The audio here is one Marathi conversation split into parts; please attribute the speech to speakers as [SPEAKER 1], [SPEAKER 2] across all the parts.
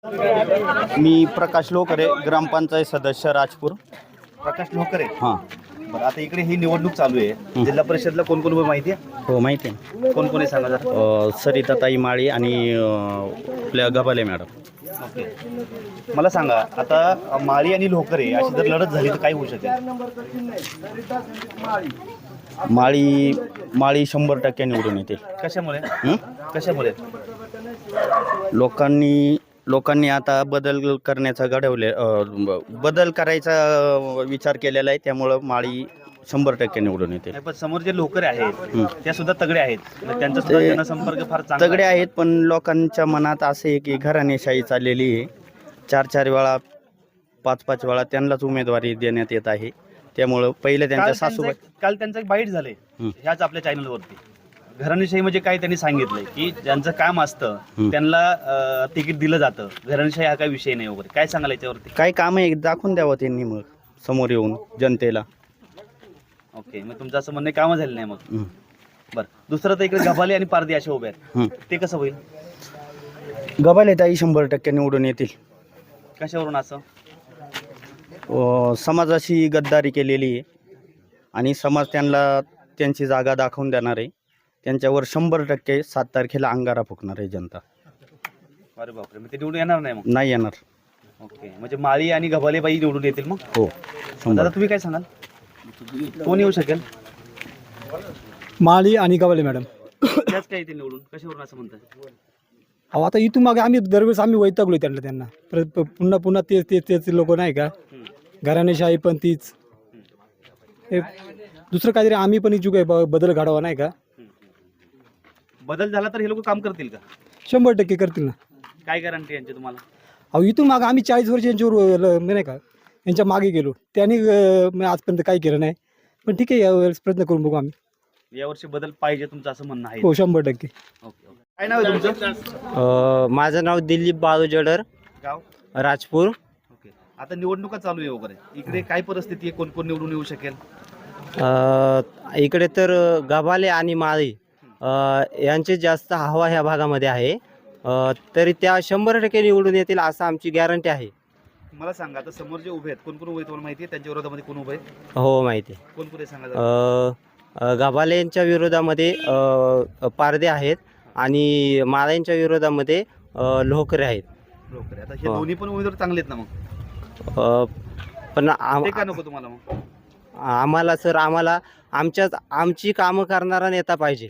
[SPEAKER 1] मी प्रकाश लोकरे, ग्रामपंचायत सदस्य राजपूर.
[SPEAKER 2] प्रकाश लोकरे.
[SPEAKER 1] हां.
[SPEAKER 2] बरं, आता इकडे ही निवडणूक चालू आहे. जिल्हा परिषदला कोण कोण माहिती आहे?
[SPEAKER 1] हो, माहिती आहे.
[SPEAKER 2] कोण कोण आहे सांगा जरा.
[SPEAKER 1] सरिताताई माळी आणि आपल्या गबाले मॅडम.
[SPEAKER 2] ओके, मला सांगा, आता माळी आणि लोकरे अशी जर लढत झाली तर काय होऊ शकेल?
[SPEAKER 1] माळी 100% निवडून येते.
[SPEAKER 2] कशामुळे? कशामुळे?
[SPEAKER 1] लोकांनी आता बदल करण्याचा बदल करायचा विचार केलेला आहे, त्यामुळं माळी 100% निवडून येते.
[SPEAKER 2] नाही, पण समोर जे लोकरे आहेत त्या सुद्धा तगडे आहेत, त्यांचा सुद्धा जनसंपर्क फार चांगला
[SPEAKER 1] तगडे आहेत, पण लोकांच्या मनात असे आहे की घराणेशाही चाललेली आहे. 4-4 वेळा 5-5 वेळा त्यांनाच उमेदवारी देण्यात येत आहे. त्यामुळं पहिले त्यांच्या सासूबाई.
[SPEAKER 2] काल त्यांचं एक बाईट झाले ह्याच आपल्या चॅनलवरती. घराणेशाही म्हणजे काय त्यांनी सांगितलंय की ज्यांचं काम असतं त्यांना तिकीट दिलं जातं. घराणेशाही हा काही विषय नाही वगैरे. काय सांगाल याच्यावरती?
[SPEAKER 1] काय काम आहे दाखवून द्यावं त्यांनी मग समोर येऊन जनतेला.
[SPEAKER 2] ओके, मग तुमचं असं म्हणणं कामं झालं नाही मग. बरं, दुसरं तर इकडे गबाले आणि पारधी असे उभे आहेत, ते कसं होईल?
[SPEAKER 1] गबाले ताई 100% निवडून येतील.
[SPEAKER 2] कशावरून असं?
[SPEAKER 1] समाजाशी गद्दारी केलेली आहे आणि समाज त्यांना त्यांची जागा दाखवून देणार आहे. त्यांच्यावर 100% 7 तारखेला अंगारा फुकणार आहे जनता.
[SPEAKER 2] अरे बापरे, मग ते निवडून येणार नाही मग?
[SPEAKER 1] नाही येणार.
[SPEAKER 2] ओके, म्हणजे माळी आणि गबालेबाई निवडून येतील मग?
[SPEAKER 1] हो.
[SPEAKER 2] दादा, तुम्ही काय सांगाल, कोण येऊ शकेल?
[SPEAKER 3] माळी आणि गबाले मॅडम.
[SPEAKER 2] त्याच काय येतील निवडून? कशावरून असं म्हणतात?
[SPEAKER 3] अहो, आता इथून मागे आम्ही दरवेळेस वैतागलो त्यांना पुन्हा तेच लोक नाही का. घराणेशाही पण तीच. हे दुसरं काहीतरी आम्ही पण इच्छुक आहे बदल घडावा नाही का.
[SPEAKER 2] बदल झाला तर हे लोक काम करतील का?
[SPEAKER 3] 100% करतील ना. काय
[SPEAKER 2] गॅरंटी यांची तुम्हाला?
[SPEAKER 3] अहो, इथून मागे आम्ही 40 वर्ष यांच्यावर नाही का यांच्या मागे गेलो. त्यांनी आजपर्यंत काही केलं नाही. पण ठीक आहे, यावेळेस प्रयत्न करून बघू आम्ही.
[SPEAKER 2] यावर्षी बदल पाहिजे तुमचं असं म्हणणं आहे?
[SPEAKER 3] हो, 100%.
[SPEAKER 2] ओके. काय नाव आहे तुमचं?
[SPEAKER 4] माझं नाव दिलीप बाळू जडर,
[SPEAKER 2] गाव
[SPEAKER 4] राजपूर.
[SPEAKER 2] ओके. आता निवडणुका चालू आहे वगैरे, इकडे काय परिस्थिती आहे? कोण कोण निवडून येऊ शकेल?
[SPEAKER 4] इकडे तर गबाले आणि माळी यांचे जास्त हवा ह्या भागामध्ये आहे. तरी त्या 100% निवडून येतील असं आमची गॅरंटी आहे.
[SPEAKER 2] मला सांगा, आता समोर जे उभे आहेत कोण कोण उभे आहेत तुम्हाला माहिती आहे? त्यांच्या विरोधामध्ये कोण उभे आहे?
[SPEAKER 4] हो, माहिती आहे.
[SPEAKER 2] कोण कोण आहे सांगा.
[SPEAKER 4] गबाले यांच्या विरोधामध्ये पारदे आहेत आणि माळ्यांच्या विरोधामध्ये लोकरे आहेत.
[SPEAKER 2] लोकरे. आता हे दोन्ही पण उमेदवार चांगले आहेत ना मग?
[SPEAKER 4] पण
[SPEAKER 2] ते का नको तुम्हाला मग?
[SPEAKER 4] आम्हाला आमची कामं करणारा नेता पाहिजे.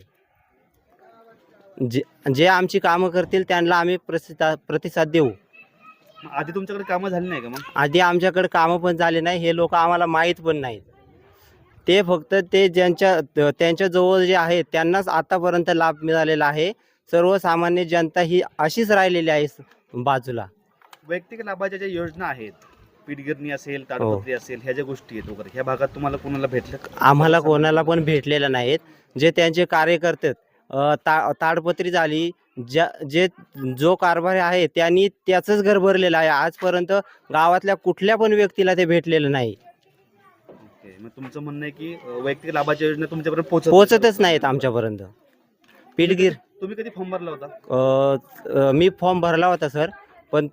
[SPEAKER 4] जे आमची कामं करतील त्यांना आम्ही प्रतिसाद देऊ.
[SPEAKER 2] आधी तुमच्याकडे कामं झाली नाही का मग?
[SPEAKER 4] आधी आमच्याकडे कामं पण झाले नाही. हे लोक आम्हाला माहीत पण नाहीत. ते फक्त त्यांच्या जवळ जे आहे त्यांनाच आतापर्यंत लाभ मिळालेला आहे. सर्वसामान्य जनता ही अशीच राहिलेली आहे बाजूला.
[SPEAKER 2] वैयक्तिक लाभाच्या ज्या योजना आहेत, पीठगिरणी असेल, ताडपत्री असेल, ह्या ज्या गोष्टी आहेत वगैरे, ह्या भागात तुम्हाला कोणाला भेटलं?
[SPEAKER 4] आम्हाला कोणाला पण भेटलेलं नाहीत. जे त्यांचे कार्यकर्ते ताडपत्री झाली, जो कारभारी आहे त्यांनी त्याचंच घर भरलेलं आहे. आजपर्यंत गावातल्या कुठल्या पण व्यक्तीला ते भेटलेलं नाही.
[SPEAKER 2] ओके, मग तुमचं म्हणणं आहे की वैयक्तिक लाभाच्या योजना तुमच्यापर्यंत
[SPEAKER 4] पोहोचतच नाहीत आमच्यापर्यंत. पीठगिर.
[SPEAKER 2] तुम्ही कधी फॉर्म भरला होता?
[SPEAKER 4] मी फॉर्म भरला होता सर, पण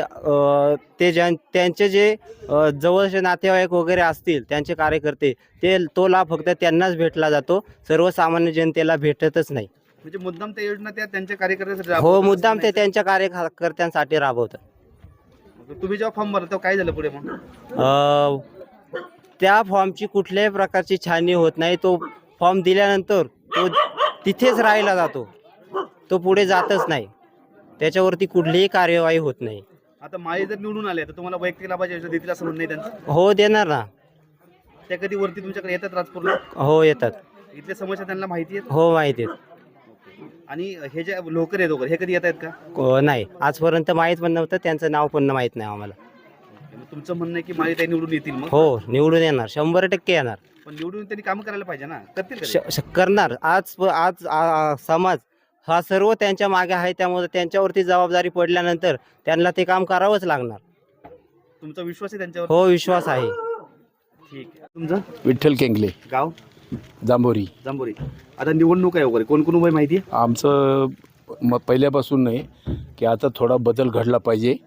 [SPEAKER 4] त्यांचे जे जवळचे नातेवाईक वगैरे असतील त्यांचे कार्यकर्ते, तो लाभ फक्त त्यांनाच भेटला जातो. सर्वसामान्य जनतेला भेटतच नाही.
[SPEAKER 2] म्हणजे मुद्दाम त्या योजना त्यांच्या कार्यकर्त्यांसाठी?
[SPEAKER 4] हो, मुद्दाम ते त्यांच्या कार्यकर्त्यांसाठी राबवतात.
[SPEAKER 2] तुम्ही जेव्हा फॉर्म भरला तेव्हा काय झालं पुढे मग?
[SPEAKER 4] त्या फॉर्मची कुठल्याही प्रकारची छाननी होत नाही. तो फॉर्म दिल्यानंतर तो तिथेच राहिला जातो. तो पुढे जातच नाही. त्याच्यावरती कुठलीही कार्यवाही होत नाही.
[SPEAKER 2] आता माळी जर निवडून आले तर तुम्हाला वैयक्तिक लाभाच्या योजना देतील असं म्हणणं आहे त्यांचं?
[SPEAKER 4] हो, देणार ना.
[SPEAKER 2] त्या कधी वरती तुमच्याकडे येतात राजपूरला?
[SPEAKER 4] हो, येतात.
[SPEAKER 2] इथल्या समस्या त्यांना माहिती आहेत?
[SPEAKER 4] हो, माहिती आहेत.
[SPEAKER 2] आणि हे जे लोकर आहेत वगैरे, हे कधी येत आहेत का?
[SPEAKER 4] नाही, आजपर्यंत माहीत पण नव्हतं. त्यांचं नाव पण माहीत नाही आम्हाला.
[SPEAKER 2] तुमचं म्हणणं आहे की माळी ताई निवडून येतील मग?
[SPEAKER 4] हो, निवडून येणार, 100% येणार.
[SPEAKER 2] पण निवडून त्यांनी काम करायला पाहिजे ना. करतील?
[SPEAKER 4] करणार. आज समाज हा सर्व त्यांच्या मागे आहे. त्यामुळे त्यांच्यावरती जबाबदारी पडल्यानंतर त्यांना ते काम करावंच लागणार.
[SPEAKER 2] तुमचा विश्वास आहे त्यांच्यावर?
[SPEAKER 4] हो, विश्वास आहे.
[SPEAKER 2] ठीक आहे. तुमचं?
[SPEAKER 5] विठ्ठल केंगले,
[SPEAKER 2] गाव?
[SPEAKER 5] जांभोरी.
[SPEAKER 2] जांभोरी. आता निवडणूक आहे वगैरे, कोण कोण उभे माहिती आहे?
[SPEAKER 5] आमचं पहिल्यापासून नाही की आता थोडा बदल घडला पाहिजे.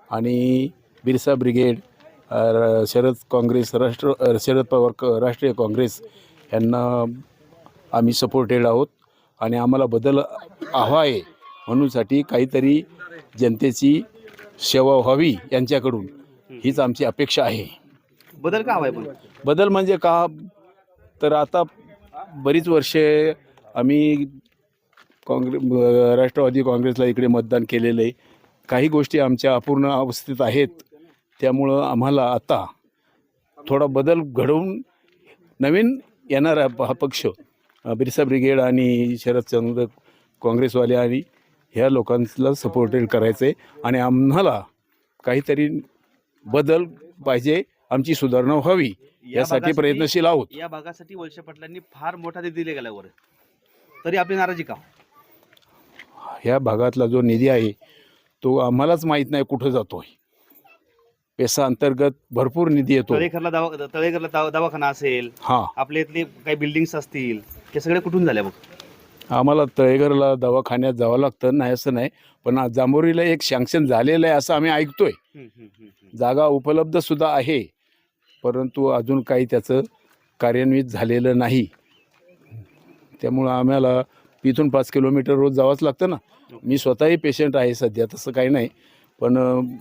[SPEAKER 5] आणि बिरसा ब्रिगेड, शरद पवार राष्ट्रीय काँग्रेस यांना आम्ही सपोर्टेड आहोत आणि आम्हाला बदल हवा आहे म्हणूनसाठी काहीतरी जनतेची सेवा व्हावी यांच्याकडून हीच आमची अपेक्षा आहे.
[SPEAKER 2] बदल का हवाय पण?
[SPEAKER 5] बदल म्हणजे का, तर आता बरीच वर्षे आम्ही राष्ट्रवादी काँग्रेसला इकडे मतदान केलेलं आहे. काही गोष्टी आमच्या अपूर्ण अवस्थेत आहेत, त्यामुळं आम्हाला आता थोडा बदल घडवून नवीन येणारा हा पक्ष बिरसा ब्रिगेड आणि शरदचंद्र काँग्रेसवाले आणि ह्या लोकांना सपोर्टेड करायचं आहे आणि आम्हाला काहीतरी बदल पाहिजे, आमची सुधारणा व्हावी यासाठी प्रयत्नशील आहोत.
[SPEAKER 2] या भागासाठी वळसे पाटलांनी फार मोठा निधी दिले गेल्यावर तरी आपली नाराजी का?
[SPEAKER 5] ह्या भागातला जो निधी आहे तो आम्हालाच माहीत नाही कुठं जातो आहे. पेसा अंतर्गत भरपूर निधी येतो.
[SPEAKER 2] तळेघरला दवाखाना असेल,
[SPEAKER 5] हां,
[SPEAKER 2] आपल्या इथले काही बिल्डिंग्स असतील, हे सगळे कुठून झाल्या बघ?
[SPEAKER 5] आम्हाला तळेघरला दवाखान्यात जावं लागतं, नाही असं नाही, पण आज जांभोरीला एक सँक्शन झालेलं आहे असं आम्ही ऐकतोय. जागा उपलब्धसुद्धा आहे, परंतु अजून काही त्याचं कार्यान्वित झालेलं नाही. त्यामुळं आम्हाला इथून 5 किलोमीटर रोज जावंच लागतं ना. मी स्वतःही पेशंट आहे सध्या, तसं काही नाही, पण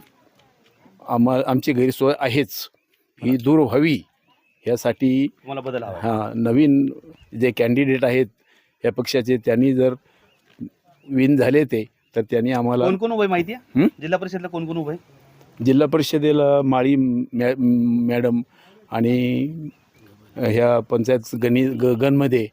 [SPEAKER 5] आमची गैरसोय आहेच, ही दूर व्हावी यासाठी
[SPEAKER 2] तुम्हाला बदल हवा?
[SPEAKER 5] हां, नवीन जे कॅन्डिडेट आहेत या पक्षाचे, त्यांनी जर विन झाले ते, तर त्यांनी आम्हाला.
[SPEAKER 2] कोण कोण उभे माहिती आहे? जिल्हा परिषदला कोण कोण उभे?
[SPEAKER 5] जिल्हा परिषदेला माळी मॅडम आणि ह्या पंचायत गणमध्ये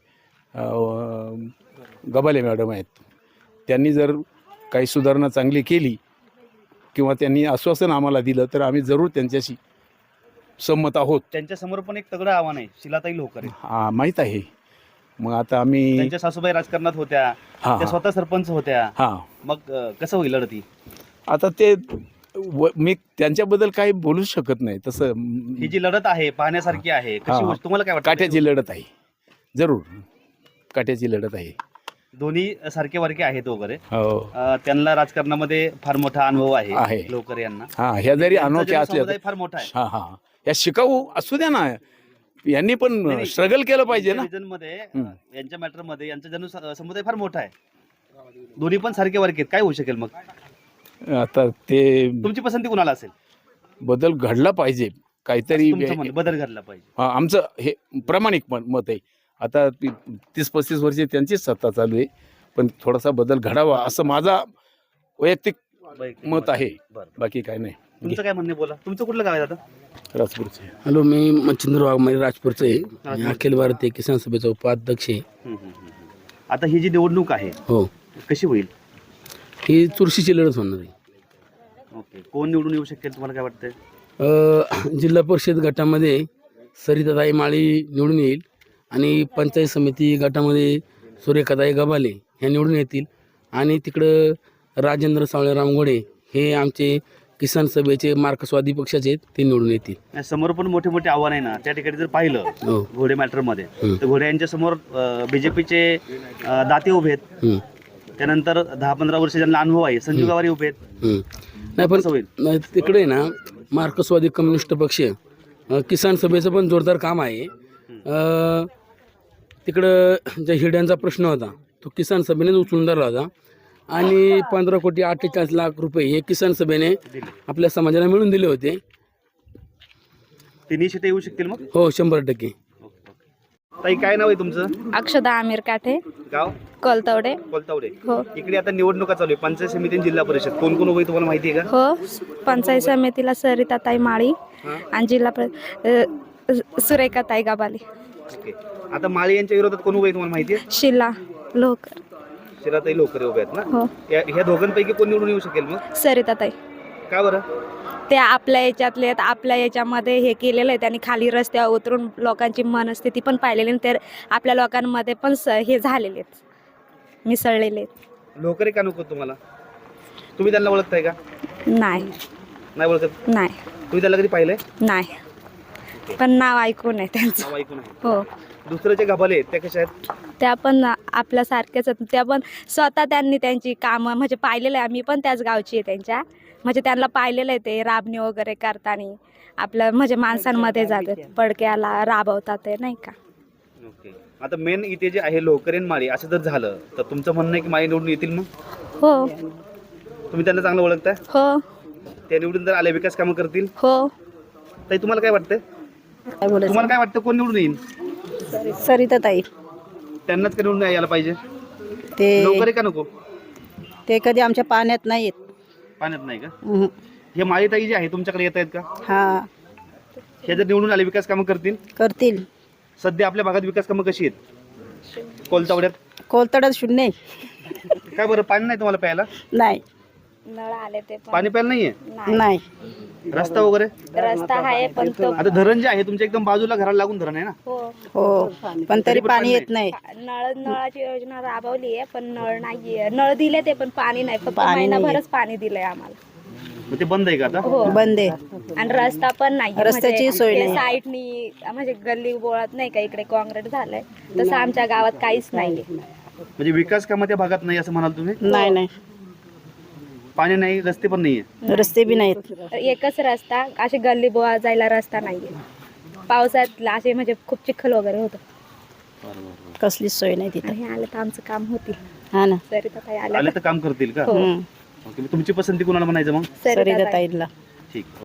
[SPEAKER 5] गबाले मॅडम आहेत. त्यांनी जर काही सुधारणा चांगली केली किंवा त्यांनी आश्वासन आम्हाला दिलं तर आम्ही जरूर त्यांच्याशी संमत आहोत.
[SPEAKER 2] त्यांच्यासमोर पण एक तगडं आव्हान आहे, शिलाताई लोकरे.
[SPEAKER 5] हां, माहीत आहे. मग आता आम्ही,
[SPEAKER 2] त्यांच्या सासूबाई राजकारणात होत्या, त्या स्वतः सरपंच होत्या.
[SPEAKER 5] हां,
[SPEAKER 2] मग कसं होईल लढती?
[SPEAKER 5] आता ते मी त्यांच्याबद्दल काही बोलू शकत नाही. तसं
[SPEAKER 2] ही जी लढत आहे पाहण्यासारखी आहे, कशी होईल? तुम्हाला काय वाटतं?
[SPEAKER 5] काट्याची लढत आहे, जरूर काट्याची लढत आहे.
[SPEAKER 2] दोन्ही सारखे वारखे आहेत वगैरे.
[SPEAKER 5] हो,
[SPEAKER 2] त्यांना राजकारणामध्ये फार मोठा अनुभव
[SPEAKER 5] आहे.
[SPEAKER 2] आहे लोकरे यांना.
[SPEAKER 5] हां, ह्या जरी अनोख्या असल्या
[SPEAKER 2] समुदाय फार मोठा आहे.
[SPEAKER 5] हां हां, या शिकाऊ असू द्या ना, यांनी पण स्ट्रगल केलं पाहिजे ना.
[SPEAKER 2] मध्ये यांच्या मॅटर मध्ये यांचा समुदाय फार मोठा आहे. दोन्ही पण सारखे वारखे आहेत, काय होऊ शकेल मग?
[SPEAKER 5] आता ते
[SPEAKER 2] तुमची पसंती कुणाला असेल?
[SPEAKER 5] बदल घडला पाहिजे, काहीतरी
[SPEAKER 2] तुमचं म्हणणं बदल घडला पाहिजे.
[SPEAKER 5] हां, आमचं हे प्रामाणिक मत आहे. आता 30-35 वर्षे त्यांचीच सत्ता चालू आहे, पण थोडासा बदल घडावा असं माझा वैयक्तिक मत आहे. बाकी काय नाही.
[SPEAKER 2] तुमचं काय म्हणणे बोला. तुमचं कुठलं गाव आहे दादा?
[SPEAKER 5] राजपूरचे.
[SPEAKER 6] हॅलो, मी मच्छिंद्र वाघमारे राजपूरचं आहे. मी अखिल भारतीय किसान सभेचा उपाध्यक्ष आहे.
[SPEAKER 2] आता ही जी निवडणूक आहे,
[SPEAKER 6] हो,
[SPEAKER 2] कशी होईल?
[SPEAKER 6] ही चुरशीची लढत होणार आहे.
[SPEAKER 2] ओके, कोण निवडून येऊ शकेल तुम्हाला काय वाटतंय?
[SPEAKER 6] जिल्हा परिषद गटामध्ये सरिताताई माळी निवडून येईल आणि पंचायत समिती गटामध्ये सुरेखाताई गबाले ह्या निवडून येतील आणि तिकडं राजेंद्र सावळे रामगोडे हे आमचे किसान सभेचे मार्क्सवादी पक्षाचे आहेत, ते निवडून येतील.
[SPEAKER 2] समोर पण मोठे मोठे आव्हान आहे ना. त्या ठिकाणी जर पाहिलं
[SPEAKER 6] हो,
[SPEAKER 2] घोडे मॅटर मध्ये, तर घोडे यांच्या समोर बीजेपीचे दाते उभे आहेत. त्यानंतर 10-15 वर्ष ज्यांना अनुभव आहे संजू गावारी उभे आहेत.
[SPEAKER 6] नाही पण नाही, तिकडे ना मार्क्सवादी कम्युनिस्ट पक्ष किसान सभेचं पण जोरदार काम आहे. तिकडं ज्या हिड्यांचा प्रश्न होता तो किसान सभेने उचलून धरला होता आणि 15,48,00,000 रुपये हे किसान सभेने आपल्या समाजाला मिळून दिले होते.
[SPEAKER 2] तिन्ही शेते येऊ शकतील मग?
[SPEAKER 6] हो, 100%.
[SPEAKER 2] ताई, काय नाव आहे तुमचं?
[SPEAKER 7] अक्षदा आमिर काठे,
[SPEAKER 2] गाव?
[SPEAKER 7] कोलतवडे.
[SPEAKER 2] कोलतावडे.
[SPEAKER 7] हो
[SPEAKER 2] इकडे आता निवडणुका चालू आहे, पंचायत समिती आणि जिल्हा परिषद. कोण कोण उभे तुम्हाला माहिती आहे का?
[SPEAKER 7] हो, पंचायत समितीला सरिताताई माळी आणि सुरेखाताई गबाले.
[SPEAKER 2] ओके, आता माळी यांच्या विरोधात कोण उभे तुम्हाला माहिती आहे?
[SPEAKER 7] शिला लोकर.
[SPEAKER 2] शिलाताई लोकरे उभे आहेत ना.
[SPEAKER 7] हो,
[SPEAKER 2] ह्या दोघांपैकी कोण निवडून येऊ शकेल मग?
[SPEAKER 7] सरिताताई.
[SPEAKER 2] का बरं?
[SPEAKER 7] ते आपल्या याच्यातले आहेत, आपल्या याच्यामध्ये हे केलेलं आहे त्यांनी, खाली रस्त्यावर उतरून लोकांची मनस्थिती पण पाहिलेली आणि तर आपल्या लोकांमध्ये पण हे झालेले आहेत, मिसळलेले आहेत.
[SPEAKER 2] लोकरे का नको तुम्हाला? तुम्ही त्यांना ओळखताय का?
[SPEAKER 7] नाही.
[SPEAKER 2] नाही ओळखत?
[SPEAKER 7] नाही.
[SPEAKER 2] तुम्ही त्याला कधी पाहिलंय?
[SPEAKER 7] नाही, पण नाव ऐकून आहे त्यांचं.
[SPEAKER 2] नाव ऐकून आहे.
[SPEAKER 7] हो,
[SPEAKER 2] दुसरे जे गबाले आहेत त्या कशा आहेत?
[SPEAKER 7] त्या पण आपल्यासारख्याच आहेत. त्या पण स्वतः त्यांनी त्यांची कामं म्हणजे पाहिलेलं आहे. आम्ही पण त्याच गावची आहे त्यांच्या. म्हणजे त्यांना पाहिलेलं आहे ते राबणी वगैरे करताना आपलं म्हणजे माणसांमध्ये जातात पडक्याला राबवतात ते नाही का.
[SPEAKER 2] ओके. आता मेन इथे जे आहे लोकरे आणि माळी असं जर झालं तर तुमचं म्हणणं आहे की माळी निवडून येतील मग?
[SPEAKER 7] हो
[SPEAKER 2] तुम्ही त्यांना चांगलं ओळखताय?
[SPEAKER 7] हो
[SPEAKER 2] ते निवडून जर आले विकास कामं करतील
[SPEAKER 7] हो.
[SPEAKER 2] ताई तुम्हाला काय वाटतंय? तुम्हाला काय वाटतं कोण निवडून येईल?
[SPEAKER 8] सरिताताई
[SPEAKER 2] त्यांनाच का निवडून यायला पाहिजे?
[SPEAKER 8] ते
[SPEAKER 2] लोकरे का नको?
[SPEAKER 8] ते कधी आमच्या पाण्यात नाही येत.
[SPEAKER 2] पाण्यात नाही का?
[SPEAKER 8] उहुं.
[SPEAKER 2] हे माळीताई जे आहे तुमच्याकडे येत आहेत का?
[SPEAKER 8] हा
[SPEAKER 2] हे जर निवडून आले विकास कामं करतील?
[SPEAKER 8] करतील.
[SPEAKER 2] सध्या आपल्या भागात विकास कामं कशी आहेत? कोलतावड्यात
[SPEAKER 8] कोलतडत शून्य
[SPEAKER 2] काय बरं पाणी नाही तुम्हाला प्यायला?
[SPEAKER 8] नाही.
[SPEAKER 7] नळ आले ते पण
[SPEAKER 2] पाणी प्यायला नाहीये?
[SPEAKER 8] नाही.
[SPEAKER 2] रस्ता वगैरे?
[SPEAKER 7] रस्ता आहे पण तो
[SPEAKER 2] आता धरण जे आहे तुमच्या एकदम बाजूला घराला लागून धरण आहे ना?
[SPEAKER 7] हो
[SPEAKER 8] हो पण तरी पाणी येत नाही.
[SPEAKER 7] नळाची योजना राबवली आहे पण नळ नाहीये. नळ दिले ते पण पाणी नाही. फक्त
[SPEAKER 8] पाणी नाहीये.
[SPEAKER 7] महिनाभरच पाणी दिलंय आम्हाला.
[SPEAKER 2] मग ते बंद आहे का आता?
[SPEAKER 7] हो
[SPEAKER 8] बंद आहे.
[SPEAKER 7] आणि रस्ता पण नाही.
[SPEAKER 8] रस्त्याची सोय नाही.
[SPEAKER 7] साईडनी म्हणजे गल्ली बोळात नाही का इकडे काँक्रीट झालंय तसं आमच्या गावात काहीच नाहीये.
[SPEAKER 2] म्हणजे विकास कामं त्या भागात नाही असं म्हणाल तुम्ही?
[SPEAKER 8] नाही नाही.
[SPEAKER 2] पाणी नाही, रस्ते पण नाहीये.
[SPEAKER 8] रस्ते बी नाहीत.
[SPEAKER 7] एकच रस्ता असे गल्ली बोळा जायला रस्ता नाहीये. पावसात असे म्हणजे खूप चिखल वगैरे होतं.
[SPEAKER 8] कसलीच सोय नाही तिथं.
[SPEAKER 7] आणि हे आलं तर आमचं काम होतील.
[SPEAKER 8] हा ना.
[SPEAKER 7] सरिताताई आल्या
[SPEAKER 2] आले तर काम करतील का?
[SPEAKER 7] हो.
[SPEAKER 2] ओके. मग तुमची पसंती कोणाला म्हणायचं मग?
[SPEAKER 7] सरिताताई.
[SPEAKER 8] सरिताताईला.
[SPEAKER 2] ठीक.